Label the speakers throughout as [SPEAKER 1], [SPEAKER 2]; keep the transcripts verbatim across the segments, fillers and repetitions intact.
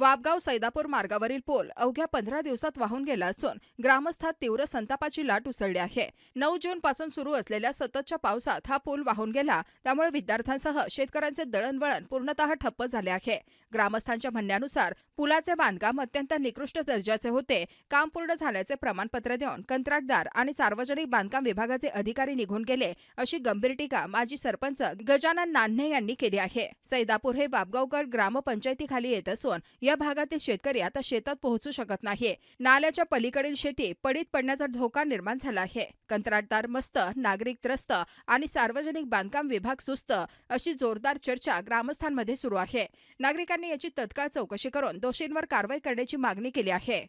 [SPEAKER 1] वापगाव सैदापूर मार्गावरील पूल अवघ्या पंधरा दिवसात वाहून गेला असून ग्रामस्थात तीव्र संतापाची लाट उसळली आहे। नऊ जून पासून सुरू असलेल्या सततच्या पावसात हा पूल वाहून गेला, त्यामुळे विद्यार्थ्यांसह शेतकऱ्यांचे दळणवळण पूर्णतः ठप्प झाले आहे। ग्रामस्थांच्या म्हणण्यानुसार पुलाचे बांधकाम अत्यंत निकृष्ट दर्जाचे होते। काम पूर्ण झाल्याचे प्रमाणपत्र देऊन कंत्राटदार आणि सार्वजनिक बांधकाम विभागाचे अधिकारी निघून गेले, अशी गंभीर टीका माजी सरपंच गजानन नान्हे यांनी केली आहे। सैदापूर हे वापगावगड ग्रामपंचायतीखाली येत असून या भागातील शेतकरी आता शेतात पोहोचू शकत नाही। नाल्याच्या पलीकडील शेती पडीत पडण्याचा धोका निर्माण झाला आहे। कंत्राटदार मस्त, नागरिक त्रस्त आणि सार्वजनिक बांधकाम विभाग सुस्त, अशी जोरदार चर्चा ग्रामस्थांमध्ये सुरू आहे। नागरिकांनी याची तत्काळ चौकशी करून दोषींवर कारवाई करण्याची मागणी केली आहे।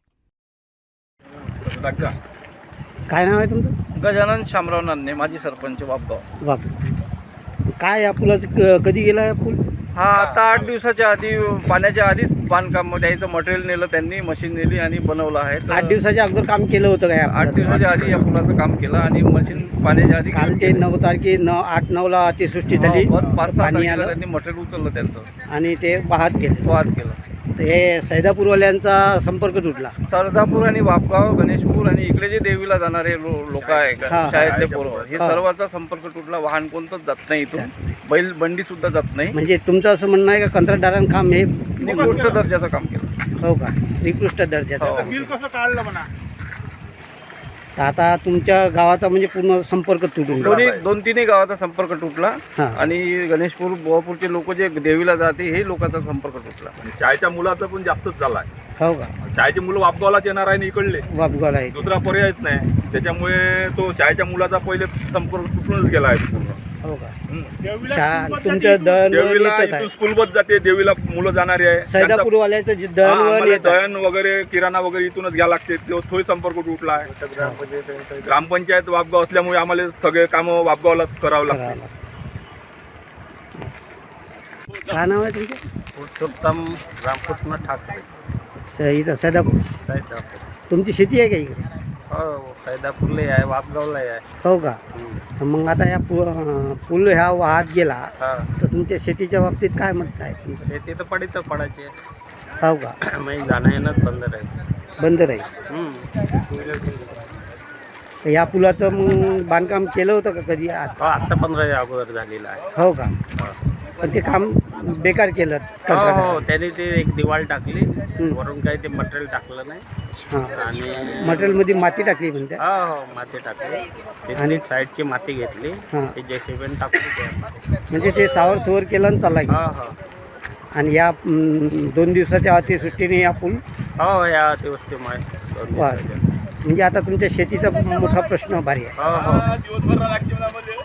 [SPEAKER 2] काय नाव आहे तुमचं?
[SPEAKER 3] गजानन शामराव नान्हे, माजी सरपंच वापगाव।
[SPEAKER 2] वाप काय या पुलाचं क- कधी गेला या पूल?
[SPEAKER 3] हा आता आठ दिवसाच्या आधी, पाण्याच्या आधीच बांधकाम त्याचं मटेरियल नेलं त्यांनी, मशीन नेली आणि बनवलं आहे। तर
[SPEAKER 2] आठ दिवसाच्या अगोदर काम केलं होतं का या
[SPEAKER 3] आठ
[SPEAKER 2] पुलाचं?
[SPEAKER 3] दिवसाच्या आधी या पुलाचं काम केलं आणि मशीन पाण्याच्या आधी
[SPEAKER 2] काल ते नऊ तारखे न आठ नऊला अतिवृष्टी झाली,
[SPEAKER 3] हो, बस पाच सहा
[SPEAKER 2] पाणी
[SPEAKER 3] तारखेला
[SPEAKER 2] आलं
[SPEAKER 3] त्यांनी मटेरियल उचललं त्यांचं,
[SPEAKER 2] आणि ते वाहत गेले।
[SPEAKER 3] वाद केलं।
[SPEAKER 2] तर हे सैदापूरवाल्यांचा संपर्क तुटला।
[SPEAKER 3] सरदापूर आणि वापगाव, गणेशपूर आणि इकडे जे देवीला जाणारे लोक आहे का,
[SPEAKER 2] हा.
[SPEAKER 3] शाळेतले पोरं, हे
[SPEAKER 2] हा.
[SPEAKER 3] सर्वांचा संपर्क तुटला। वाहन कोणतंच जात नाही इथून, बैल बंडी सुद्धा जात नाही।
[SPEAKER 2] म्हणजे तुमचं असं म्हणणं आहे का कंत्राटदारांनी काम हे
[SPEAKER 3] निकृष्ट दर्जाचं काम केलं।
[SPEAKER 2] हो का, निकृष्ट दर्जाचं
[SPEAKER 3] हो.
[SPEAKER 2] काम
[SPEAKER 4] बिल
[SPEAKER 2] केलं.
[SPEAKER 4] कसं काढलं म्हणा?
[SPEAKER 2] तर आता तुमच्या गावाचा म्हणजे पूर्ण संपर्क तुटून
[SPEAKER 3] दोन्ही
[SPEAKER 2] गेला.
[SPEAKER 3] दोन तिन्ही गावाचा संपर्क तुटला
[SPEAKER 2] हा.
[SPEAKER 3] आणि गणेशपूर, बोवापूरचे लोक जे देवीला जाते हे लोकांचा संपर्क तुटला।
[SPEAKER 4] आणि शाळेच्या मुलाचं पण जास्तच झालं आहे।
[SPEAKER 2] हो का,
[SPEAKER 4] शाळेची मुलं वापगावलाच येणार आहे आणि इकडले
[SPEAKER 2] वापगावला आहे.
[SPEAKER 4] दुसरा पर्यायच नाही, त्याच्यामुळे तो शाळेच्या मुलाचा पहिले संपर्क तुटूनच गेला आहे पूर्ण।
[SPEAKER 2] हो का,
[SPEAKER 4] हम्म.
[SPEAKER 2] शाळा तुमच्या दळणवळण
[SPEAKER 4] देवीला
[SPEAKER 2] येतच
[SPEAKER 4] इथून
[SPEAKER 2] आहे.
[SPEAKER 4] स्कूल बस जाते, देवीला मुलं जाणारी आहे। त्यांचा-
[SPEAKER 2] सैदापूरवाल्याचं जे
[SPEAKER 4] हा,
[SPEAKER 2] दळणवळण
[SPEAKER 4] आम्हाला
[SPEAKER 2] येत आहे.
[SPEAKER 4] दळण वगैरे, किराणा वगैरे इथूनच घ्यायला लागते, तो तोही संपर्क तुटला आहे। ग्रामपंचायत वापगाव असल्यामुळे आम्हाला सगळे कामं वापगावलाच करावं लागतात।
[SPEAKER 2] करावं लागतं. काय नाव आहे तुमचं?
[SPEAKER 3] पुरुषोत्तम रामकृष्ण ठाकरे,
[SPEAKER 2] स- इथं सैदापूर.
[SPEAKER 3] सैदापूर।
[SPEAKER 2] तुमची शेती आहे का इकडे?
[SPEAKER 3] हो, सैदापूरला आहे, वापगावला आहे।
[SPEAKER 2] हो का, मग आता या पु अं, पूल ह्या वाहत गेला,
[SPEAKER 3] हा,
[SPEAKER 2] तर तुमच्या शेतीच्या बाबतीत काय म्हणत आहे तुमचं?
[SPEAKER 3] शेती तर पडीत पडायची,
[SPEAKER 2] हो का,
[SPEAKER 3] मग जाणं येणंच बंद राहील।
[SPEAKER 2] बंद राहील. तर या पुलाचं मग बांधकाम केलं होतं का कधी? आ-
[SPEAKER 3] हो, आत्ता पंधरा अगोदर झालेला आहे।
[SPEAKER 2] हो का, पण ते काम बेकार केलं
[SPEAKER 3] हो,
[SPEAKER 2] कंत्राटदाराने.
[SPEAKER 3] त्याने ते एक दिवाळ टाकली,
[SPEAKER 2] हं.
[SPEAKER 3] वरून काही ते मटेरियल टाकलं नाही
[SPEAKER 2] हां,
[SPEAKER 3] आणि
[SPEAKER 2] मटेरियलमध्ये माती टाकली म्हणते.
[SPEAKER 3] हो हो माती टाकली, तिथली साईडची माती घेतली,
[SPEAKER 2] हां,
[SPEAKER 3] ते जेसीबीने टाकली ते।
[SPEAKER 2] म्हणजे ते सावर सुवर केलं आणि चालला गेला.
[SPEAKER 3] हो हो
[SPEAKER 2] आणि या अं, दोन दिवसाच्या अतिवृष्टीने या पूल
[SPEAKER 3] हो, या अतिवृष्टीमुळे दोन
[SPEAKER 2] वा.
[SPEAKER 3] दिवसाच्या.
[SPEAKER 2] म्हणजे आता तुमच्या शेतीचा मोठा प्रश्न भारी आहे.
[SPEAKER 3] हो हो